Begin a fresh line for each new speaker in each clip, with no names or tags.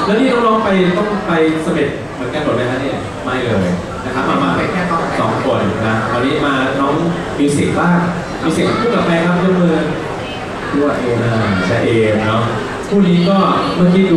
แล้วนี่น้องๆไปต้องไปเสม็ดเหมือนกันหมดไหมฮะเนี่ยไม่เลยนะครับมา
ไปแค่
2 คนนะวันนี้มาน้องมิวสิกบ้างมิวสิกคู่กับใครครับยกมือด้วยเองใช่เองเนาะคู่นี้ก็เมื่อกี้ดู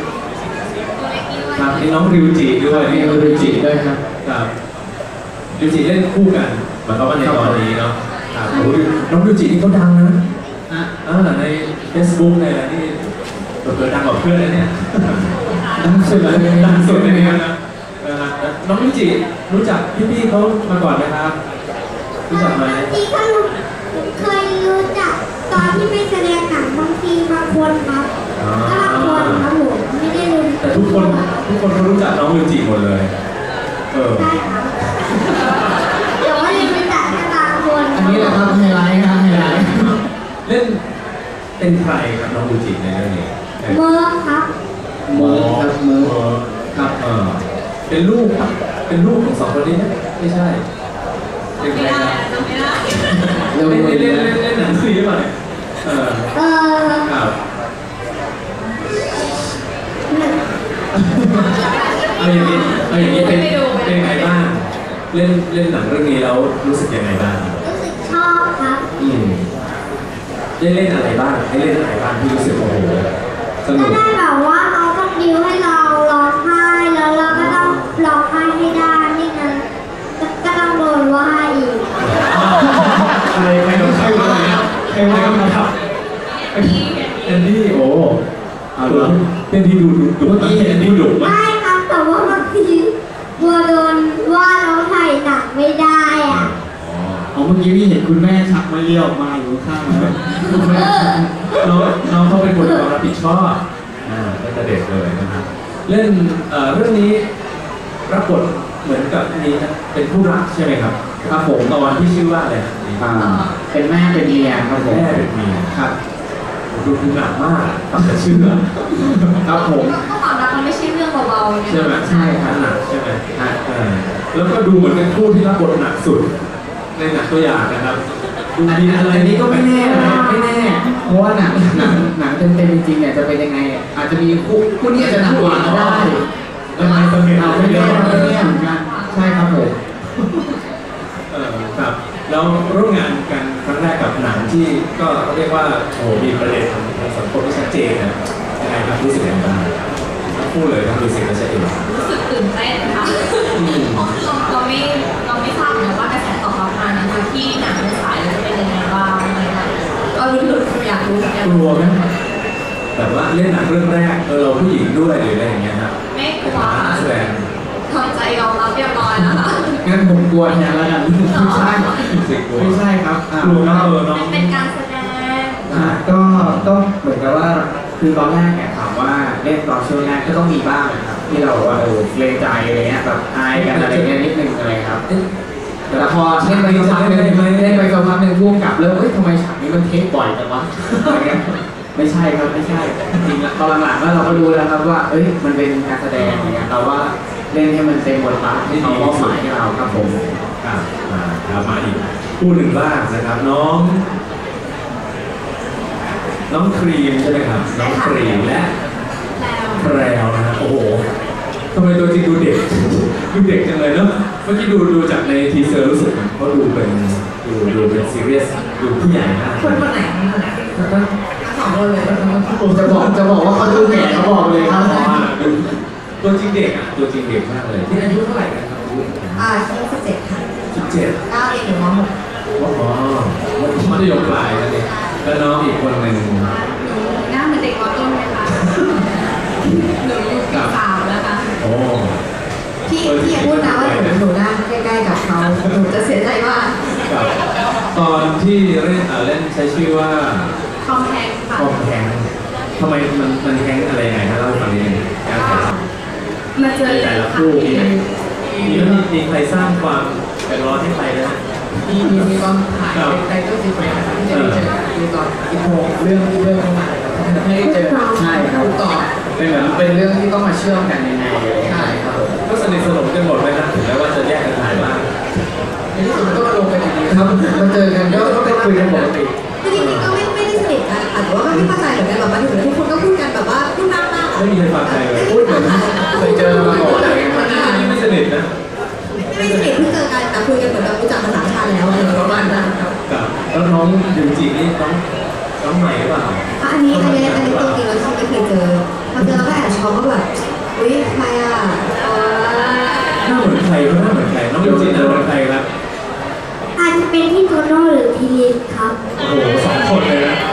ครับนี่น้องริวจิด้วยนี่ริวจิด้วยครับริวจิเล่นคู่กันเหมือนกับว่าในตอนนี้เนาะน้องริวจินี่เขาดังนะใน Facebook ในอะไรนี่เกิดดังกว่าเพื่อนเลยเนี่ยดังสุดเลยดังสุดเลยนะน้องริวจิรู้จักพี่ๆเขามาก่อนไหมครับรู้จักไหม
ที่เขาเคยรู้จักตอนที่ไปแสดงหนังบางทีบางคนครับก็บางคนครับผมไม่ได้รู้
แต่ทุกคนเขารู้จักน้องริวจิหมดเลย
ใช่ครับแต่ว่ายังไม่รู้จักแค่บางคน
อันนี้แหละครับไฮไลท์ครับไฮไลท์
เล่นเป็นใครครับน้องริวจิในเรื่องนี้
เมิร์ครับ
เมิร์ครับเมิร์
ครับเป็นลูกของ2 คนนี้ไม่ใช่เป็นใครครับเล่นหนังซีรีส์มาครับเอาอย่างนี้เป็นไงบ้างเล่นหนังเรื่องนี้แล้วรู้สึกยังไงบ้าง
รู้สึกชอบครับ
ได้เล่นอะไรบ้างให้เล่นอะไรบ้างที่รู้สึกโอ้โหสนุก
ได้แบบว่าเขาต้องดิวให้เราร้องไห้แล้วเราก็ต้องร้องไห้ให้ได้ไม่งั้นก็ต้องโดนว่าอีก
ใครโดนใครว่าใครมาทับแอนดี้โอ้เป็นที่ดูเมื่อกี้แอนดี้ดุมาก
ใช่ครับแต่ว่าบางทีบัวโดนว่าเราถ่ายหนังไม่ได้อ่ะ
เมื่อกี้พี่เห็นคุณแม่ชักมาเลี้ยวออกมาอยู่ข้างแล้วคุณแม่
น้องเขาเป็นคนรับผิดชอบตั้งแต่เด็กเลยนะครับเล่นเรื่องนี้รับบทเหมือนกับนี้นะเป็นผู้รักใช่ไหมครับครับผมตอนที่ชื่อว่าอะไร
เป็นแม่เป็นเมียครับผม
แม่เป็นเมียครับดูหนักมากตั้งแต่ชื่อครับผม
ก็ความรักมันไม่ใช่เรื่องเบาๆ
ใช่ไหมใช่ครับหนักใช่ไหมแล้วก็ดูเหมือนเป็นคู่ที่รับบทหนักสุดในหนังตัวอย่างนะครับ
อันนี้ก็ไม่แน่ไม่แน่เพราะว่าหนังเต็มจริงๆเนี่ยจะเป็นยังไงอาจจะมีคู่นี้จะหนักกว่าก็ได้
แล้วไม่สำเร็จ
ไม่แน่เหมือนกันใช่ครับผม
ครับแล้วร่วมงานกันครั้งแรกกับหนังที่ก็เรียกว่าโอ้มีประเด็นทางสังคมที่ชัดเจนนะยังไงครับรู้สึกยังไงบ้างพูดเลยครับรู้สึกว่าชัดเจน
รู้สึกตื่นเต้นค่ะเราไม่ทราบเลยว่ากระแสตอบรับมานะคะที่หนังในสายจะเป็นยังไงบ้างก็รู้อยากรู้
กลัวไหมแบบว่าเล่นหนังเรื่องแรกเราผู้หญิงด้วยหรืออะไรอย่างเงี้ยครับ
ไม่กลัวแสดงทำใจยอมรับเรียบร้อยแล้วค่ะ
งั้นผมกลัวแทนแล้วกันไม่ใช่ครับ
กลัวนะ
เป็นการแสดง
ก็เหมือนกับว่าคือตอนแรกเนี่ยถามว่าเล่นตอนช่วงแรกก็ต้องมีบ้างครับที่เราว่าเกรงใจอะไรเงี้ยแบบอายกันอะไรเงี้ยนิดนึงอะไรครับแต่พอเล่นไปสักพักนึงพ่วงกับเริ่มทำไมฉากนี้มันเทคบ่อยจังวะอะไรเงี้ยไม่ใช่ครับไม่ใช่จริงๆตอนหลังๆแล้วเราก็รู้แล้วครับว่ามันเป็นการแสดงอย่างเงี้ยเราว่าเล่นให้มันเต็มบทบาทที่เขามอบหมายให้เราครับผม
มาอีกคู่หนึ่งบ้างนะครับน้องครีมใช่ไหมครับน้องครีมและแพรวนะฮะโอ้โหทำไมตัวจริงดูเด็กจังเลยเนาะเมื่อกี้ดูจากในทีเซอร์รู้สึกเขาดูเป็นซีเรียสดูผู้ใหญ่มาก
คนไหน2 คนเลย
ผมจะบอกว่าเขาดูแก่เขาบอกเลยครับ
ตัวจริงเด็กมากเลยที่อายุเท่าไหร่กันครับ
17ค่ะ
17
ก้าวเรียนอยู่ม.6
มัธยมปลายนั่นเองแล้วน้องอีกคนหนึ่ง
หน้าเหมือนเด็กม.ต้นไหมคะหนูอยู่ปี 3แล้วค่ะ
โอ้
ที่พูดนะว่าหนูหน้าใกล้ๆกับเขาหนูจะเสียใจมาก
ตอนที่เล่นใช้ชื่อว่า
คอมแพงค่ะ
ทำไมมันแพงอะไรไงถ้าเราฟังนิดนึงการถ่ายท
ำมาเจอ
แต่ละคู่มีใครสร้างความเดือดร้อนให้ใครนะ
มีตอนถ่ายไทเทลซีเควนซ์ที่จะได้เจอมีตอนอินโทรเรื่องเข้ามาไม่ได้เจอใช่ครับต่อเป็นเรื่องที่ต้องมาเชื่อมกันยังไงใช่ครับ
ก็สนิทสนมกันหมดเลยนะถึงแม้ว่าจะแยกกันถ่ายบ้าง
ในที่สุดก็ลงไปอย่างนี้ครับมาเจอกันก็ได้คุยกันปกติ
จริงๆก็ไม่ได้สนิทกันแต่ว่าไม่เข้าใจเหมือนกันแบบมาถึงแล้วทุกคนก็พูดกันแบบว่าพูดมาก
ไม่มีใครฟังใครเลย
พูดเหมือนเคยเจอมาก่อนอะไรเงี้ย
นี่ไม่สนิทนะ
ไม่สนิทเพิ่งเจอกันแต่คุยกันเหมือนเรารู้จักมา3 ชาติแล้วประมาณนั้นครับ
กับแล้วน้องยูจินี่น้องใหม่หรือเปล่า
อันนี้ตัวจริงแล้วที่ไม่เคยเจอพอเจอแล้วก็แอบช็อกว่าแบบอุ้ยใครอ่ะ
หน้าเหมือนใครก็หน้าเหมือนใครน้องยูจิหน้าเหมือนใครครับ
อาจจะเป็นพี่โตโน่หรือพี่ลิศครับ
โอ้โห2 คนเลยนะ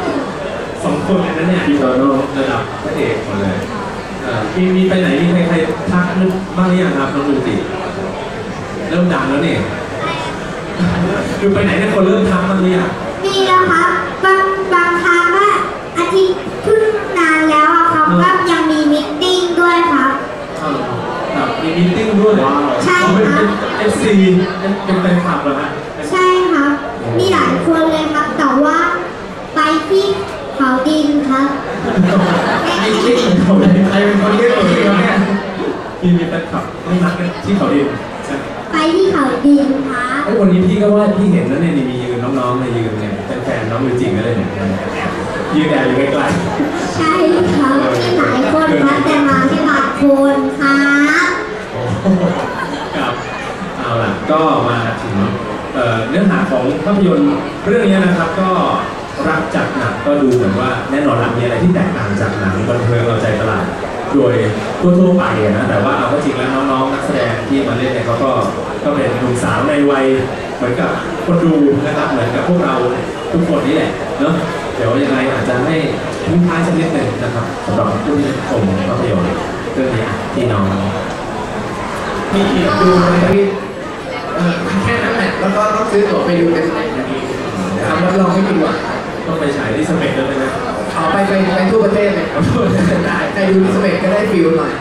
2 คนเลยนะเนี่ยพี่โตโน่ระดับพระเอกหมดเลยมีไปไหนมีใครทักนึกบ้างหรือยังครับน้องยูจิเริ่มดังแล้วนี่คือไปไหนเนี่ยคนเริ่มทักบ้างหรือยัง
มีแล้วครับบางครั้งว่าอาทิตย์เพิ่งนานแล้วอะครับก็ยังมีมิทติ้งด้วยครับ
ครับมีมีตติ้งด้วย
ใช่
เป็น
ครับ
FC เป็นแฟนคลับเหรอฮะ
ใช่ครับ มีหลายคนเลยครับ แต่ว่าไปที่เขาดินครับ
ไอ้ที่เขาเลยใครเป็นคนเรียกตัวเองเนี่ยมีแฟนคลับไม่นักกันที่เขาดิน
ไปที่เขาดินครับ
ไอ้วันนี้พี่ก็ว่าพี่เห็นแล้วเนี่ยมียืนน้องๆในยืนเนี่ยแฟนน้องยูจิก็เลยเนี่ยยืนแอบอยู่ใกล้
ใช่ครับมีหลายคนครับแต่มาแค่บางคนครับ
ๆกับเอาล่ะก็มาถึงเนื้อหาของภาพยนตร์เรื่องนี้นะครับก็รักจัดหนักก็ดูเหมือนว่าแน่นอนหลังมีอะไรที่แตกต่างจากหนังบันเทิงเอาใจตลาดโดยทั่วๆไปนะแต่ว่าเอาก็จริงแล้วน้องๆนักแสดงที่มาเล่นเนี่ยเขาก็เป็นหนุ่มสาวในวัยเหมือนกับคนดูนะครับเหมือนกับพวกเราทุกคนนี่แหละเนาะเดี๋ยวยังไงอาจจะให้ทิ้งท้ายสักนิดหนึ่งนะครับสำหรับผู้ที่ชมภาพยนตร์เรื่องนี้ที่น้อง
มีอีกดูเลยพี่แค่นั้นแหละแล้วก็ต้องซื้อตั๋วไปดูในสเต็ปนาทีครับรับรองไม่ผิดหวัง
ต้องไปฉายที่สเปกด้วยนะ
เอาไปทั่วประเทศเลยครับได้ใครดูที่สเต็ปก็ได้ฟิลหน่อย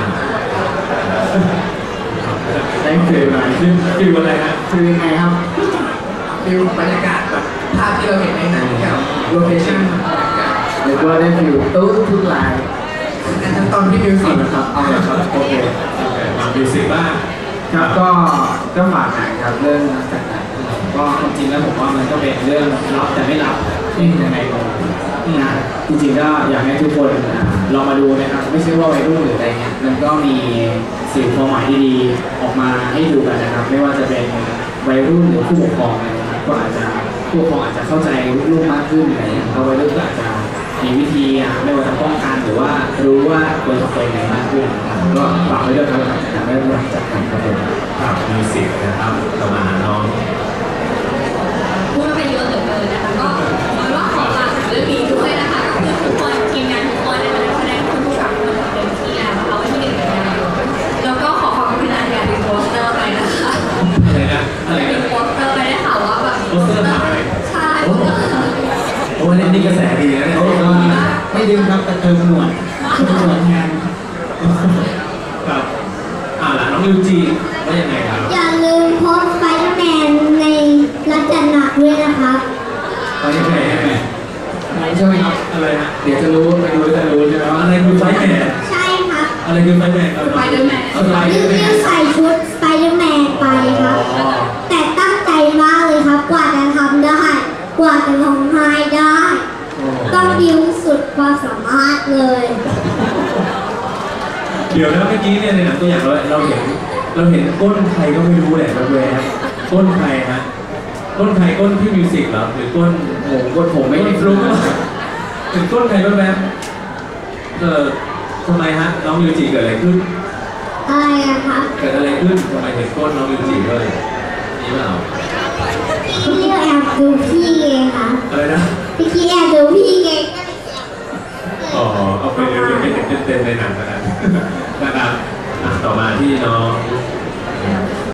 ได้ฟิลหน่อยฟิลอะไรฮะ
ฟิลยังไงครับฟิลบรรยากาศแบบภาพที่เราเห็นในหนังกับโลเคชั่นหรือว่าได้ฟิลตู้ทุกลายอันตอนที่มิวสิกนะครับเอาเลยครับโอเค
มามิวสิกบ้าง
ครับก็ฝากหนังครับเรื่องรักจัดหนังก็ความจริงแล้วผมว่ามันก็เป็นเรื่องรับแต่ไม่รับที่ยังไงก็นะจริงๆก็อยากให้ทุกคนลองมาดูนะครับไม่ใช่ว่าวัยรุ่นหรืออะไรเงี้ยมันก็มีสื่อความหมายดีๆออกมาให้ดูกันนะครับ ไม่ว่าจะเป็นวัยรุ่นหรือผู้ปกครองนะครับก็อาจจะผู้ปกครองอาจจะเข้าใจลูกมากขึ้นอะไรเงี้ยเพราะวัยรุ่นก็อาจจะมีวิธีไม่ว่าจะป้องกันหรือว่ารู้ว่าควรจะเป็นยังไงมากขึ้นนะครับก็ฝากไว้ด้วยครับจากเรื่องรักจัดหนังครับผม
ครับมิวสิกนะครับต่อมาน้อง
พูดไปเยอะเหลือเกินนะคะก็หวังว่าขอฝากเรื่องนี้ด้วยนะคะก็คือทุกคนทีมงานทุกคนในนักแสดงทุกคนทำเต็มที่แล้วนะคะวันที่1 กันยายนแล้วก็ขอขอบคุณอาจารย์เป็นโปสเตอร์ไปนะคะ
อะไรนะอะไร
เป็น
นะ
โปสเตอร์ไปได้ข่าวว่าแบบ
โปสเตอร์หาย
ใช่
โอ้โหนี่กระแสดีนะเนี่ย
ไม่ดึงครับแต่เติมหนวดแทน
ครับล่ะน้องยูจีว่ายังไงครับ
อย่าลืมโพสต์ไฟแมนในรักจัดหนักด้วยนะครับ
ไปยังไงยังไง
ใช่ไหมครับ
อะไรนะ
เดี๋ยวจะรู้ไปดูจะรู้ใช่ไหมว่า
อะไรคือไฟแมน
ใช่ครับ
อะไรคือไฟแมน
ไปเดอร์แมน
ริวใส่ชุดสไปเดอร์แมนไปครับ แต่ตั้งใจมากเลยครับ กว่าจะทำได้ กว่าจะร้องไห้ได้ ต้องดิวสุดความสามารถเลย
เดี๋ยวนะเมื่อกี้เนี่ยในหนังตัวอย่างเราเห็นก้นใครก็ไม่รู้แหละแวบๆก้นใครฮะก้นใครก้นพี่มิวสิกเหรอหรือก้น
ผมไม่
ไม่
ได้
ฟลุ๊กถึงก้นใครแวบทำไมฮะน้องมิวจิเกิดอะไรขึ้น
อะไรอะครับ
เกิดอะไรขึ้นทำไมเห็นก้นน้องมิวจิเลยนี่เปล่า
พี่แอบดูพี่เองค่ะ
อะไรนะ
พี่แอบดูพี่เอง
อ๋อเอาไปเรียนเป็นเต็มในหนังแล้วกันนะครับต่อมาที่น้อง